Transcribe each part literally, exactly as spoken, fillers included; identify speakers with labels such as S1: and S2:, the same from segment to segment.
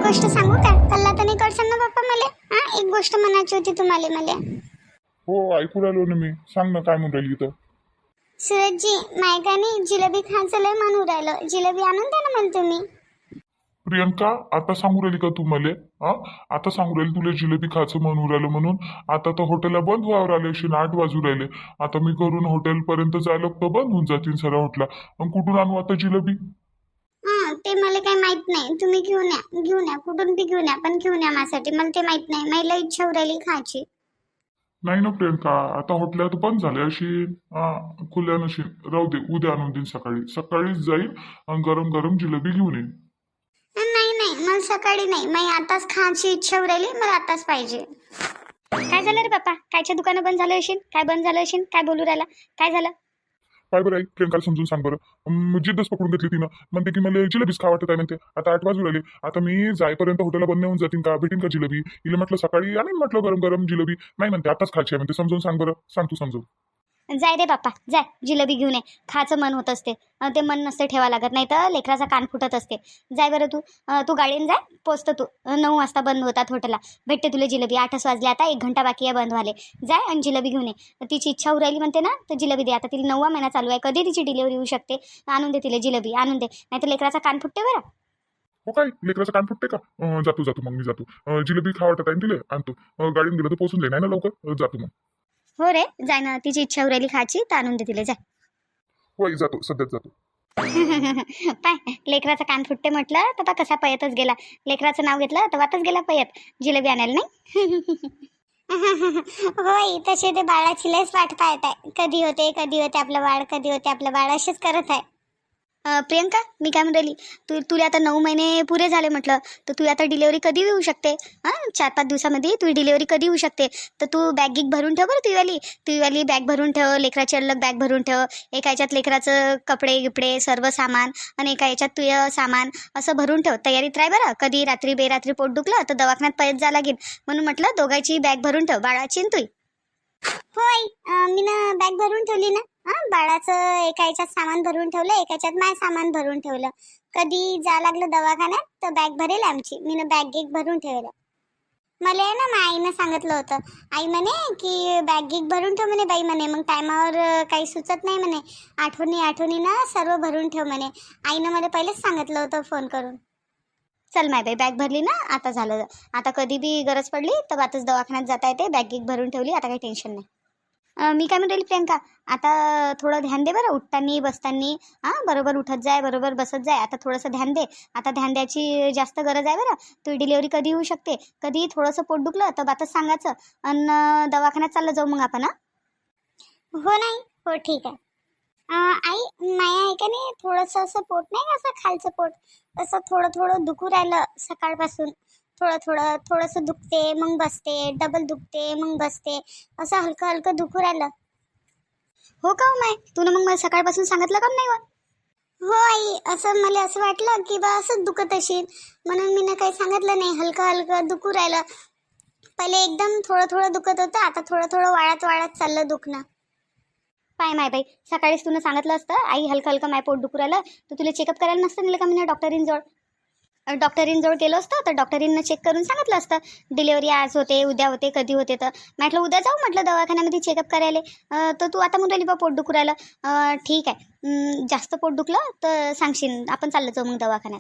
S1: गोष्ट सांगू का? कल्ला तर नाही करशाल ना बाप्पा मला? हा, एक गोष्ट म्हणायची होती तुम्हाला मला.
S2: हो ऐकू राहिलो ना मी. सांग ना काय म्हणून राहिली तर.
S1: सूरजजी, मायकाने जिलेबी खायचं लय म्हणून राहिलं. जिलेबी आणून द्या ना मला तुम्ही.
S2: प्रियंका आता सांगू राहिली का तू मले? हा, आता सांगू राहिली तुला जिलेबी खायचं म्हणून राहिलं म्हणून? आता तर हॉटेलला बंद व्हावं राहिले अशी आठ वाजू राहिले. आता मी करून हॉटेल पर्यंत जायला तर बंद होऊन जातील सगळ्या हॉटेलला. मग कुठून आणू आता जिलेबी?
S1: हा, ते मला काही माहित नाही. तुम्ही घेऊन या, घेऊन या, कुठून बी घेऊन या, पण घेऊन या माझ्यासाठी. मला ते माहित नाही. मला इच्छा होऊ राहिली खायची.
S2: नाही ना प्रियंका, आता हॉटेल तर बंद झाले अशी. हा, खुल्या नशी. राहू दे, उद्या आणून देईन सकाळी. सकाळीच जाईल आणि गरम गरम जिलेबी घेऊन येईन.
S1: नाही नाही, मला सकाळी नाही. मला आताच खायची इच्छा होऊ राहिली. मला आताच पाहिजे. काय झालं रे बाप्पा? कायच्या दुकानं बंद झालं असेल? काय बंद झालं असेल? काय बोलू राहिला? काय झालं?
S2: काय बरं आहे प्रियंकाला समजून सांग बरं. अं, जिद्दच पकडून घेतली तिनं. म्हणते की मला जिलेबीच खा वाटत आहे म्हणते. आता आठ वाजू राहिले. आता मी जाईपर्यंत हॉटेलला बंद होऊन जातील का? भेटीन का जिलेबी? हिला म्हटलं सकाळी आणि म्हटलं गरम गरम जिलेबी. नाही म्हणते आताच खायची आहे म्हणते. समजून सांग बरं. सांग तू समजून.
S1: जाय रे बाप्पा, जाय जिलेबी घेऊन ये. खायचं मन होत असते. अं, ते मन नसते ठेवा लागत, नाही तर लेकराचा कान फुटत असते. जाय बरं तू. अं, तू गाडीने जाय. पोचतं तू. अं, नऊ वाजता बंद होतात हॉटेलला. भेटते तुला जिलेबी. आठच वाजले आता. एक घंटा बाकी आहे बंद व्हाले. जाय आणि जिलेबी घेऊन ये. तिची इच्छा होऊ राहिली म्हणते ना, तर जिलेबी दे. आता तिला नववा महिना चालू आहे. कधी तिची डिलिव्हरी होऊ शकते. आणून दे तिला जिलेबी. आणून दे, नाही तर लेकराचा कान फुटते बरं.
S2: हो काय लेकराचं कान फुटते का? अं, जातो जातो मग मी जातो. अं, जिलेबी खा वाटत आहे ना तिले आणतो. अं, गाडीने गेलं तर पोचून जाईल नाही ना लवकर. अं, जातो मग.
S1: हो रे, जाय ना. तिची इच्छा होऊ राहिली खायची, तर आणून दे तिला. जाय.
S2: होय जातो, सध्याच जातो.
S1: पाय, लेकराचा कान फुटते म्हटलं तर पा कसा पयतच गेला. लेकराचं नाव घेतलं तर वातच गेला पयत. जिलेबी आणायला नाही. होय, तसे ते बाळाची लयच वाट पाहत आहे. कधी होते कधी होते आपलं बाळ, कधी होते आपलं बाळ, असेच करत आहे. अं, प्रियंका, मी काय म्हणून राहिली, तू तुला आता नऊ महिने पुरे झाले म्हटलं, तर तू आता डिलेवरी कधी होऊ शकते? हां, चार पाच दिवसामध्ये तुझी डिलेवरी कधी होऊ शकते? तर तू बॅग गिग भरून ठेव बरं. तुझीवाली तुझीवाली बॅग भरून ठेव. लेकराची अलग बॅग भरून ठेव. एका याच्यात लेकराचं कपडे गिपडे सर्व सामान आणि एका याच्यात तुझं सामान असं भरून ठेव. तयारीत राह बरं. कधी रात्री बेरात्री पोट दुखलं तर दवाखान्यात पळत जा लागेल. म्हणून म्हटलं दोघांची बॅग भरून ठेव, बाळाची आणि तुई. होय, मी ना बॅग भरून ठेवली ना. हा, बाळाचं एका याच्यात सामान भरून ठेवलं, एका याच्यात माय सामान भरून ठेवलं. कधी जा लागलं दवाखान्यात तर बॅग भरेल आमची. मी ना बॅग गिग भरून ठेवलं. मला आहे ना माझ्या आईनं सांगितलं होतं. आई म्हणे की बॅग गिग भरून ठेव म्हणे बाई म्हणे. मग टायमावर काही सुचत नाही म्हणे. आठवणी आठवणी ना सर्व भरून ठेव म्हणे. आईनं मला पहिलेच सांगितलं होतं फोन करून. चल माय बाई, बॅग भरली ना, आता झालं. आता कधी बी गरज पडली तर आताच दवाखान्यात जाता येते. बॅग गिग भरून ठेवली, आता काही टेन्शन नाही. अं, मी काय म्हणते प्रियंका, आता थोडं ध्यान दे बरं. उठतानी बसतानी. हां, बरोबर उठत जाय, बरोबर बसत जाय. आता थोडंसं ध्यान दे. आता ध्यान द्यायची जास्त गरज आहे बरं. तुझी डिलिव्हरी कधी होऊ शकते? कधी थोडंसं पोट दुखलं तर बातच सांगायचं आणि दवाखान्यात चाललं जाऊ मग आपण. हां, हो नाही, हो ठीक आहे. अं, आई, माया आहे का नाही, थोडंसं असं पोट नाही का, असं खालचं पोट असं थोडं थोडं दुखू राहिलं सकाळपासून. थोडं थोडं थोडंसं दुखते मग बसते, डबल दुखते मग बसते, असं हलकं हलकं दुखू राहिलं. हो का हो माय, तू मग मला सकाळपासून सांगितलं का नाही? हो आई, असं मला असं वाटलं की बा असंच दुखत असेल, म्हणून मी ना काही सांगितलं नाही. हलकं हलकं दुखू राहिलं. पहिले एकदम थोडं थोडं दुखत होतं, आता थोडं थोडं वाढत वाढत चाललं दुखणं. पाय माय बाई, सकाळीच तुला सांगितलं असतं आई हलकं हलकं माय पोट दुखू राहिलं, तर तुला चेकअप करायला नसतं नेलं का मी डॉक्टरींजवळ? डॉक्टरींजवळ गेलो असतं तर डॉक्टरींना चेक करून सांगितलं असतं डिलेवरी आज होते, उद्या होते, कधी होते. तर म्हटलं उद्या जाऊ म्हटलं दवाखान्यामध्ये चेकअप करायला. अं, तर तू आता म्हणून राहिली बा पोट दुखू राहिलं. अं, ठीक आहे. अं, जास्त पोट दुखलं तर सांगशील, आपण चाललं जाऊ मग दवाखान्यात.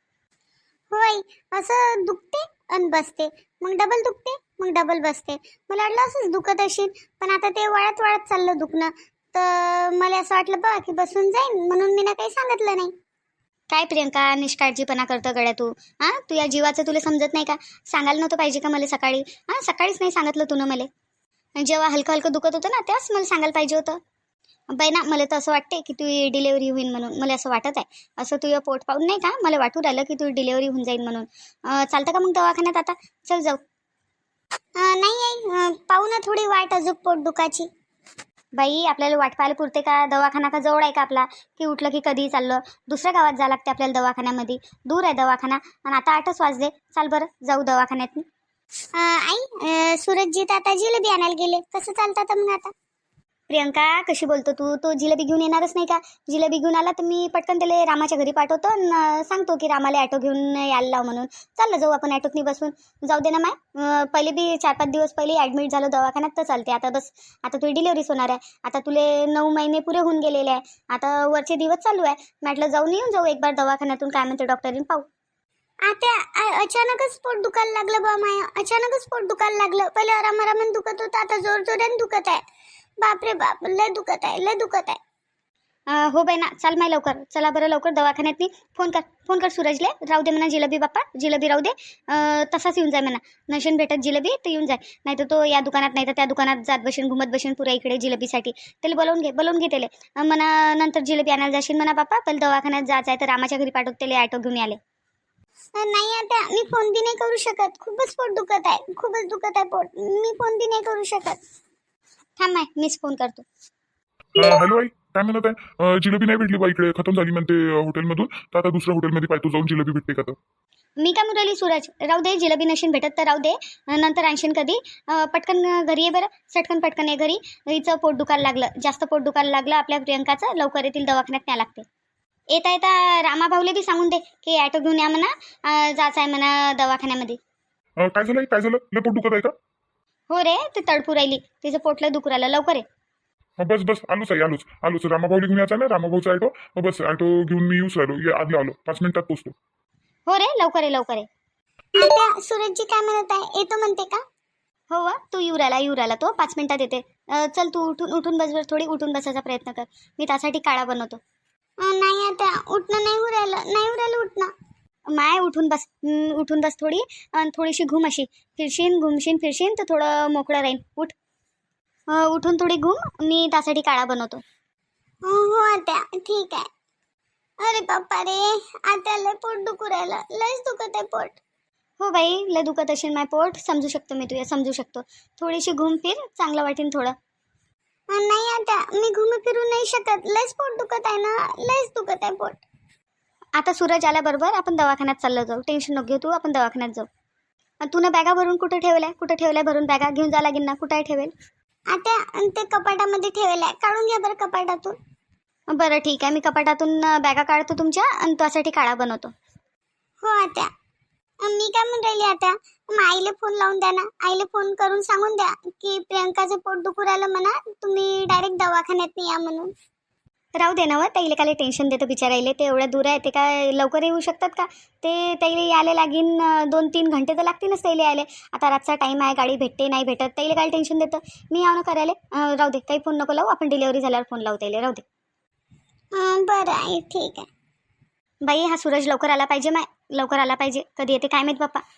S1: होय, असं दुखते आणि बसते, मग डबल दुखते मग डबल बसते. मला वाटलं असंच दुखत असेल, पण आता ते वाढत वाढत चाललं दुखणं. तर मला असं वाटलं बा की बसून जाईन, म्हणून मी ना काही सांगितलं नाही. काय प्रियंका, निष्काळजीपणा करतं गड्या तू. हां, तू या जीवाचं तुला समजत नाही का? सांगायला नव्हतं पाहिजे का मला सकाळी? हां, सकाळीच नाही सांगितलं तू ना मला. जेव्हा हलकं हलकं दुखत होतं ना, तेव्हाच मला सांगायला पाहिजे होतं. बाई ना, मला तर असं वाटते की तुझी डिलेवरी होईल म्हणून. मला असं वाटत आहे. असं तुझं पोट पाहून नाही का मला वाटू राहिलं की तुझी डिलेवरी होऊन जाईल म्हणून. अं, चालतं का मग दवाखान्यात आता? चल जाऊ. अं, नाही आहे, पाहू ना थोडी वाट अजून पोट दुखाची. बाई, आपल्याला वाट पाहायला पुरते का? दवाखाना का जवळ आहे का आपला? की उठलं की कधी चाललं दुसऱ्या गावात जावं लागते आपल्याला दवाखान्यामध्ये. दूर आहे दवाखाना आणि आता आठच वाजले. चाल बरं जाऊ दवाखान्यात. आई, सूरजजीत आता जिलेबी आणायला गेले, कसं चालतं आता मग आता? प्रियंका कशी बोलतो तू? तो जिलेबी घेऊन येणारच नाही का? जिलेबी घेऊन आला तर मी पटकन त्याला रामाच्या घरी पाठवतो आणि सांगतो की रामाला ॲटो घेऊन यायला लाव म्हणून. चाललं जाऊ आपण ॲटोतनी बसून. जाऊ दे ना माय. अं, पहिले बी चार पाच दिवस पहिले ॲडमिट झालो दवाखान्यात तर चालते. आता बस आता तुझी डिलिव्हरीच होणार आहे. आता तुले नऊ महिने पुरे होऊन गेलेले आहे. आता वरचे दिवस चालू आहे. म्हटलं जाऊन येऊन जाऊ एक बार दवाखान्यातून काय म्हणते डॉक्टरीन पाहू. आता अ- अचानकच पोट दुखायला लागलं बा माया. अचानकच पोट दुखायला लागलं. पहिले आराम आरामानं दुखत होतं, आता जोर जोराने दुखत आहे. बापरे बाप, लय दुखत आहे, लय दुखत आहे. अं, हो बाई ना, चाल माय लवकर. चला बरं लवकर दवाखान्यात नी. फोन कर फोन कर सूरजले. राहू दे म्हणा जिलेबी बाप्पा, जिलेबी राहू दे. अं, तसाच येऊन जाय म्हणा. नशन भेटत जिलेबी तर येऊन जाय. नाही तर तो या दुकानात नाही तर त्या दुकानात जात बसेन, घुमत बसेन पुऱ्या इकडे जिलेबीसाठी. त्याला बोलवून घे बोलवून घे त्याला. अं, म्हणा नंतर जिलेबी आणायला जाशील म्हणा बाप्पा. पहिले दवाखान्यात जायचं आहे तर रामाच्या घरी पाठवत त्याला ॲटो घेऊन आले. नाही आता मी फोन बी नाही करू शकत. खूपच पोट दुखत आहे, खूपच दुखत आहे पोट. मी फोन बी नाही करू शकत. थांब आहे, मीच फोन करतो.
S2: हॅलो आई, काय म्हणत आहे? अं, जिलेबी नाही भेटली बा इकडे, खतम झाली म्हणते हॉटेलमधून. तर आता दुसऱ्या हॉटेलमध्ये पाहतो जाऊन जिलेबी भेटते का तर.
S1: मी काय मुरली सूरज, राहू दे. जिलेबी नशीन भेटत तर राहू दे. नंतर आणशीन कधी. अं, पटकन घरी ये बरं. सटकन पटकन ये घरी. हिचं पोट दुखायला लागलं, जास्त पोट दुखायला लागलं आपल्या प्रियंकाचं. लवकर येतील दवाखान्यात न्या लागते. येता येता रामा भाऊले बी सांगून दे की ॲटो घेऊन या म्हणा. अं, जायचं आहे म्हणा दवाखान्यामध्ये.
S2: अं, काय झालं आई? काय झालं? लय पोट दुखत आहे का?
S1: हो रे, ते तडफू राहिली. तिचं पोटलं दुखू राहिलं. लवकर ये.
S2: हं, बस बस आलोच आई, आलोच आलोच. रामाभाऊला घेऊन यायचा ना, रामाभाऊचा ऑटो. हं, बस ऑटो घेऊन मी येऊच राहिलो. ये आधी आलो, पाच मिनिटात पोचतो.
S1: हो रे, लवकर ये लवकर ये. आता सूरजजी काय म्हणत आहे? येतो म्हणते का? हो व, तू येऊ राहिला येऊ राहिला तो. पाच मिनिटात येते. अं, चल तू उठून उठून बस बरं. थोडी उठून बसायचा प्रयत्न कर. मी त्यासाठी काळा बनवतो. नाही आता उठणं नाही होऊ राहिलं, नाही होऊ राहिलं उठणं. माय उठून बस. हं, उठून बस थोडी. आणि थोडीशी घुम अशी. फिरशीन घुमशीन फिरशीन तर थोडं मोकळं राहीन. उठ. अं, उठून थोडी घुम. मी त्यासाठी काळा बनवतो. हो आता ठीक आहे. अरे बाप्पा रे, आता लय पोट दुखू राहिलं. लयच दुखत आहे पोट. हो बाई, लय दुखत असेल माय पोट. समजू शकतो मी तुझ्या, समजू शकतो. थोडीशी घुम फिर, चांगलं वाटेन थोडं. नाही आता मी घुम फिरू नाही शकत. लयच पोट दुखत आहे ना, लयच दुखत आहे पोट. आता सूरज आल्याबरोबर आपण दवाखान्यात चाललो जाऊ. टेन्शन नको घेऊ तू. आपण दवाखान्यात जाऊ. अन् तू ना बॅगा भरून कुठे ठेवल्या? कुठे ठेवल्या भरून बॅगा? घेऊन जा लागेल ना. कुठे आहे ठेवेल? आता ते कपाटामध्ये ठेवलंय. काढून घ्या बरं कपाटातून. बरं ठीक आहे, मी कपाटातून अं, बॅगा काढतो तुमच्या आणि त्यासाठी काळा बनवतो. हो आता मी काय म्हणून राहिली आता, मग आईला फोन लावून द्या ना. आईला फोन करून सांगून द्या की प्रियंकाचं पोट दुखू राहिलं म्हणा, तुम्ही डायरेक्ट दवाखान्यात या म्हणून. राहू दे ना व, त्याला काय टेन्शन देतं बिचारायले. ते एवढ्या दूर आहे, ते काय लवकर येऊ शकतात का? ते त्याला यायला लागीन अं, दोन तीन घंटे तर लागतीलच त्याला यायला. आता रातचा टाईम आहे, गाडी भेटते नाही भेटत. त्याला काय टेन्शन देतं. मी यावं ना करायला. अं, राहू दे, काही फोन नको लावू. आपण डिलिव्हरी झाल्यावर फोन लावू त्याला. राहू दे. बरं आहे, ठीक आहे. बाई हा सूरज लवकर आला पाहिजे. माय लवकर आला पाहिजे. कधी येते काय माहित बाप्पा.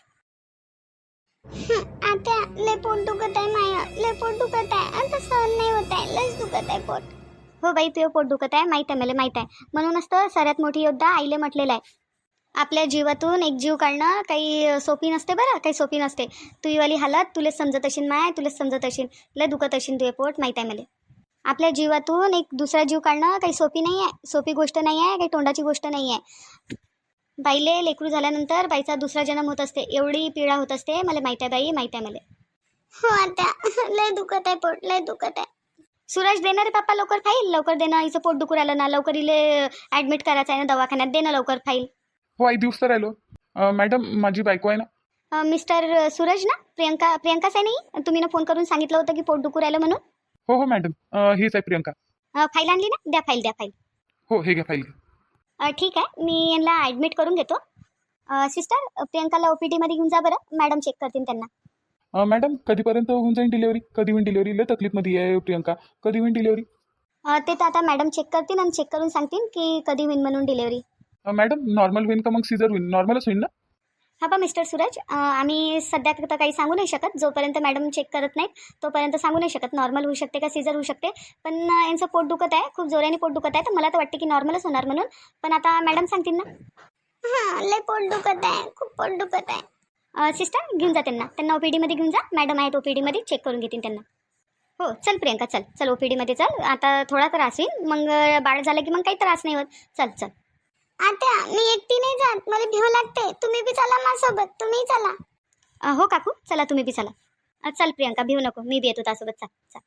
S1: आता लय पोट दुखत आहे माया, लय पोट दुखत आहे. आता सहन नाही होत आहे, लयच दुखत आहे पोट. हो बाई, तुझं पोट दुखत आहे माहीत आहे मला, माहीत आहे. म्हणूनच तर सर्वात मोठी योद्धा आईले म्हटलेलं आहे. आपल्या जीवातून एक जीव काढणं काही सोपी नसते बरं, काही सोपी नसते. तुझी वाली हालत तुलेच समजत असेल माय, तुलेच समजत असेल. लय दुखत असेल तुझे पोट, माहीत आहे मला. आपल्या जीवातून एक दुसरा जीव काढणं काही सोपी नाही आहे, सोपी गोष्ट नाही आहे, काही तोंडाची गोष्ट नाही आहे. बाईले लेकरू झाल्यानंतर बाईचा दुसरा जन्म होत असते. एवढी पीडा होत असते. मला माहीत आहे बाई, माहीत आहे मला. हो आता लय दुखत आहे पोट, लय दुखत आहे. सूरज देणार रे पप्पा लवकर फाईल. लवकर देणं. हिचं पोट दुखू राहिलं ना. लवकर इले ॲडमिट करायचं आहे ना दवाखान्यात. देणं लवकर फाईल.
S3: हो आई दिवस तर राहिलो. अं, मॅडम माझी बायको आहे ना.
S1: अं, मिस्टर सूरज ना, प्रियंका प्रियंकाच आहे नाही. तुम्ही ना फोन करून सांगितलं होतं की पोट दुखू राहिलं म्हणून.
S3: हो हो मॅडम, अं, हेच आहे प्रियंका.
S1: अं, फाईल आणली ना. द्या फाईल, द्या फाईल.
S3: हो हे घ्या फाईल घ्या.
S1: अं, ठीक आहे, मी यांना ॲडमिट करून घेतो. अं, सिस्टर प्रियंकाला ओ पी टीमध्ये घेऊन जा बरं. मॅडम चेक करतील त्यांना.
S3: अं, मॅडम कधीपर्यंत होऊन जाईल डिलिव्हरी? कधी होईल डिलिव्हरी? लय तकलीफमध्ये आहे प्रियंका. कधी होईल डिलिव्हरी?
S1: अं, ते तर आता मॅडम चेक करतील आणि चेक करून सांगतील की कधी होईल म्हणून डिलिव्हरी.
S3: अं, मॅडम नॉर्मल होईल का मग सिझर होईल? नॉर्मलच होईल ना?
S1: हा बा मिस्टर सूरज, अं, आम्ही सध्या तर काही सांगू नाही शकत. जोपर्यंत मॅडम चेक करत नाहीत तोपर्यंत सांगू नाही शकत नॉर्मल होऊ शकते का सिझर होऊ शकते. पण अं, यांचं पोट दुखत आहे, खूप जोराने पोट दुखत आहे. तर मला तर वाटते की नॉर्मलच होणार म्हणून. पण आता मॅडम सांगतील ना. हां लय पोट दुखत आहे, खूप पोट दुखत आहे. सिस्टर घेऊन जा त्यांना. त्यांना ओ पी डीमध्ये घेऊन जा. मॅडम आहेत ओ पी डीमध्ये, चेक करून घेतील त्यांना. हो चल प्रियंका, चल चल ओ पी डीमध्ये चल. आता थोडा त्रास होईल, मग बाळ झालं की मग काही त्रास नाही होत. चल चल. आता मी एकटी नाही जात, मला भीव लागते. तुम्ही बी चला माझ्यासोबत, तुम्ही चला. अ, हो काकू चला, तुम्ही बी चला. अ, चल प्रियंका, भिऊ नको. मी बी येतो त्यासोबत. चल चल.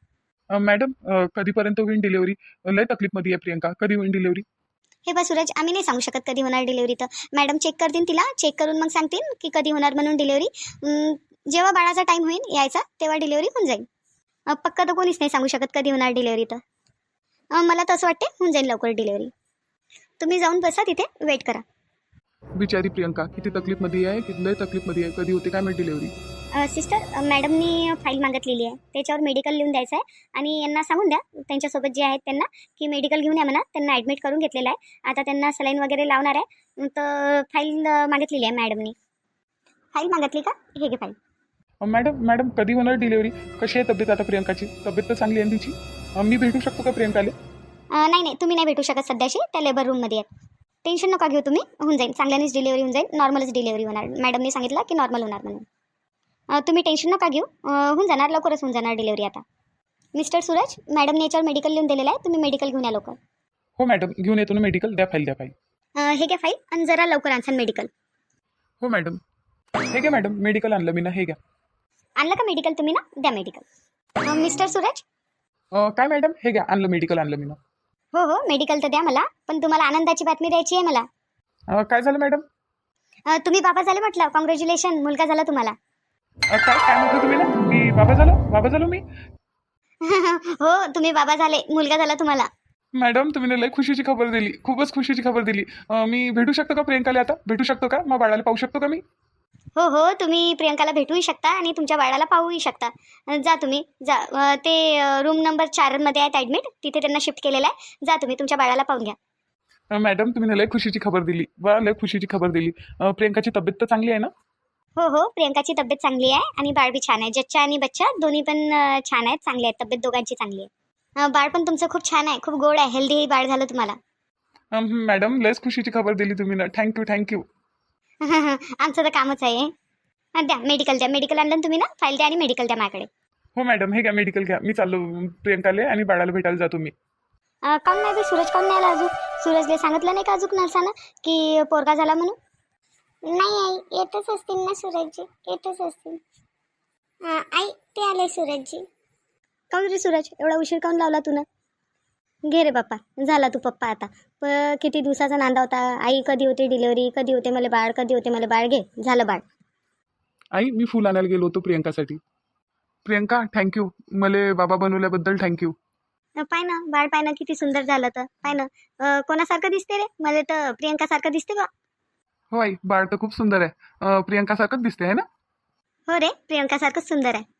S3: अ, मॅडम अ, कधीपर्यंत होईल डिलेवरी? लय तकलीफमध्ये आहे प्रियंका, कधी होईल डिलेवरी?
S1: हे बा सूरज, आम्ही नाही सांगू शकत कधी होणार डिलिव्हरी. तर मॅडम चेक करतील तिला, चेक करून मग सांगतील की कधी होणार म्हणून डिलिव्हरी. जेव्हा बाळाचा टाईम होईल यायचा तेव्हा डिलिव्हरी होऊन जाईल. अ, पक्का तर कोणीच नाही सांगू शकत कधी होणार डिलिव्हरी. तर अ, मला तसं वाटते होऊन जाईल लवकर डिलिव्हरी. तुम्ही जाऊन बसा तिथे, वेट करा.
S3: बिचारी प्रियंका किती तकलीफमध्ये आहे, किती लय तकलीफमध्ये आहे. कधी होते काय माहिती डिलेवरी?
S1: अ, सिस्टर, अ, मॅडमनी फाईल मागितलेली आहे, त्याच्यावर मेडिकल लिहून द्यायचं आहे. आणि यांना सांगून द्या त्यांच्यासोबत जे आहेत त्यांना की मेडिकल घेऊन या म्हणा. त्यांना ॲडमिट करून घेतलेलं आहे, आता त्यांना सलाईन वगैरे लावणार आहे. तर फाईल अ, मागितलेली आहे मॅडमनी. फाईल मागितली का? हे घे फाईल.
S3: अ, मॅडम मॅडम कधी होणार डिलेवरी? कशी आहे तब्येत आता प्रियंकाची? तब्येत तर चांगली आहे ना तिची? अ, मी भेटू शकतो का प्रियंकाले?
S1: अ, नाही नाही, तुम्ही नाही भेटू शकत सध्याशी, त्या लेबर रूममध्ये आहेत. टेन्शन नका घेऊ तुम्ही, होऊन जाईल चांगल्यानेच डिलिव्हरी होऊन जाईल. नॉर्मलच डिलिव्हरी होणार, मॅडमने सांगितलं की नॉर्मल होणार म्हणून. अ, तुम्ही टेन्शन नका घेऊ, अ, होऊन जाणार, लवकरच होऊन जाणार डिलिव्हरी आता. मिस्टर सूरज, मॅडमने याच्यावर मेडिकल लिहून दिलेलं आहे, तुम्ही मेडिकल घेऊन या लवकर.
S3: हो मॅडम, घेऊन येतो ना मेडिकल. द्या फाईल, द्या फाईल.
S1: अ, हे घ्या फाईल आणि जरा लवकर आणसान मेडिकल.
S3: हो मॅडम. हे घ्या मॅडम, मेडिकल आणलं मी ना, हे घ्या.
S1: आणलं का मेडिकल तुम्ही ना? द्या मेडिकल. अ, मिस्टर सूरज.
S3: अ, काय मॅडम? हे घ्या, आणलं मेडिकल, आणलं मी ना.
S1: हो हो, मेडिकल तर द्या मला, पण तुम्हाला आनंदाची बातमी द्यायची आहे मला.
S3: अ, काय झालं मॅडम?
S1: अ, तुम्ही बाबा झाले म्हटलं, कॉंग्रॅच्युलेशन, मुलगा झाला तुम्हाला.
S3: अ, काय काय म्हटलं तुम्ही ना? मी बाबा झालो? बाबा झालो मी?
S1: हो, तुम्ही बाबा झाले, मुलगा झाला तुम्हाला.
S3: मॅडम तुम्ही ना लय खुशीची खबर दिली, खूपच खुशीची खबर दिली. अ, मी भेटू शकतो का प्रियंकाला आता? भेटू शकतो का? मग बाळाला पाहू शकतो का मी?
S1: हो हो, तुम्ही प्रियंकाला भेटूही शकता आणि तुमच्या बाळाला पाहूही शकता. अ, जा तुम्ही जा. अ, ते रूम नंबर चारमध्ये आहेत ॲडमिट, तिथे त्यांना शिफ्ट केलेलं आहे. जा तुम्ही तुमच्या बाळाला पाहून घ्या.
S3: अ, मॅडम तुम्ही ना लय खुशीची खबर दिली, वा लय खुशीची खबर दिली. अ, प्रियंकाची तब्येत तर चांगली आहे ना?
S1: हो हो, प्रियंकाची तब्येत चांगली आहे आणि बाळ बी छान आहे. जच्चा आणि बच्चा दोन्ही पण अ, छान आहेत, चांगले आहेत, तब्येत दोघांची चांगली आहे. अ, बाळ पण तुमचं खूप छान आहे, खूप गोड आहे, हेल्दी बाळ झालं तुम्हाला.
S3: अ, मॅडम लयच खुशीची खबर दिली तुम्ही ना. Thank you thank you.
S1: आमचं तर कामच आहे. अ, द्या मेडिकल, द्या मेडिकल आणलं ना तुम्ही ना, फाईल द्या आणि मेडिकल द्या माझ्याकडे.
S3: हो मॅडम, हे घ्या मेडिकल घ्या. मी चाललो प्रियंकाले आणि बाळाला भेटायला जातो मी.
S1: अ, काहून नाही बे, सूरज काहून नाही आला अजून? सूरजले सांगितलं नाही का अजून नर्सानं की पोरगा झाला म्हणून? नाही आई, येतच असतील ना सूरजजी, येतच असतील. हा आई, ते आले सूरजजी. काहून रे सूरज, एवढा उशीर काहून लावला तू ना? घे रे बाप्पा, झाला तू पप्पा आता. प किती दिवसाचा नांदा होता, आई कधी होते डिलिव्हरी, कधी होते मला बाळ, कधी होते मला बाळ. घे, झालं बाळ.
S3: आई मी फुल आणायला गेलो होतो प्रियंकासाठी. प्रियंका थँक्यू, मले बाबा बनवल्याबद्दल थँक्यू.
S1: अ, पाय ना बाळ, पाय ना किती सुंदर झालं. तर पाय ना, अ, कोणासारखं दिसते रे? मला तर प्रियंकासारखं दिसते बा.
S3: हो आई, बाळ तर खूप सुंदर आहे. अ, प्रियंकासारखंच दिसते आहे ना?
S1: हो रे, प्रियंकासारखंच सुंदर आहे.